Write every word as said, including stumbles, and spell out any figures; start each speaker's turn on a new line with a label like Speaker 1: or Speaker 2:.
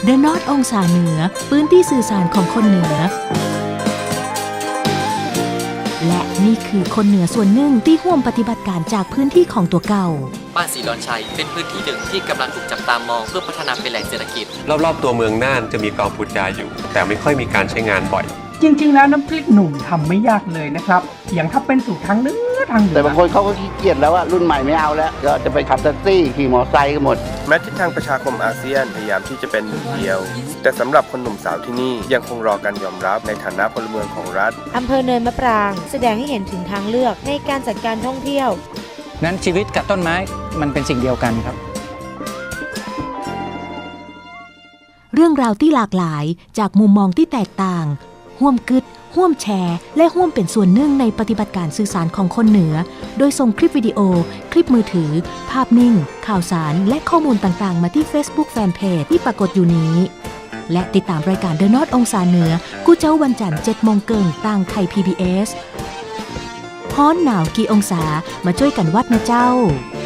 Speaker 1: The North องศาเหนือพื้นที่สื่อสารของคนเหนือและนี่คือคนเหนือส่วนหนึ่งที่ร่วมปฏิบัติการจากพื้นที่ของตัวเก่า
Speaker 2: บ้านศรีดอนชัยเป็นพื้นที่หนึ่งที่กำลังถูกจับตามองเพื่อพัฒนาเป็นแหล่งเศรษฐกิจ
Speaker 3: รอบๆตัวเมืองน่านจะมีกองพูดจาอยู่แต่ไม่ค่อยมีการใช้งานบ่อย
Speaker 4: จริงๆแล้วน้ำพริกหนุ่มทำไม่ยากเลยนะครับอย่างถ้าเป็นสูตรทางเหนือทางเหนือ
Speaker 5: แต่บางคนเขาก็ขี้เกียจแล้วว่ารุ่นใหม่ไม่เอาแล้วก็จะไปขับแท็กซี่ขี่มอเตอร์ไซค์กันหมด
Speaker 6: แม้ทิศทางประชาคมอาเซียนพยายามที่จะเป็นหนึ่งเดียวแต่สำหรับคนหนุ่มสาวที่นี่ยังคงรอการยอมรับในฐานะพลเมืองของรัฐ
Speaker 7: อำเภอเนินมะปรางแสดงให้เห็นถึงทางเลือกในการจัดการท่องเที่ยว
Speaker 8: นั้นชีวิตกับต้นไม้มันเป็นสิ่งเดียวกันครับ
Speaker 1: เรื่องราวที่หลากหลายจากมุมมองที่แตกต่างร่วมกึดร่วมแชร์และร่วมเป็นส่วนหนึ่งในปฏิบัติการสื่อสารของคนเหนือโดยส่งคลิปวิดีโอคลิปมือถือภาพนิ่งข่าวสารและข้อมูลต่างๆมาที่ Facebook Fanpage ที่ปรากฏอยู่นี้และติดตามรายการ The North องศาเหนือกู้เจ้าวันจันทร์เจ็ดโมงเกิงต่างไทย พี บี เอส ฮ้อนหนาวกี่องศามาช่วยกันวัดนะเจ้า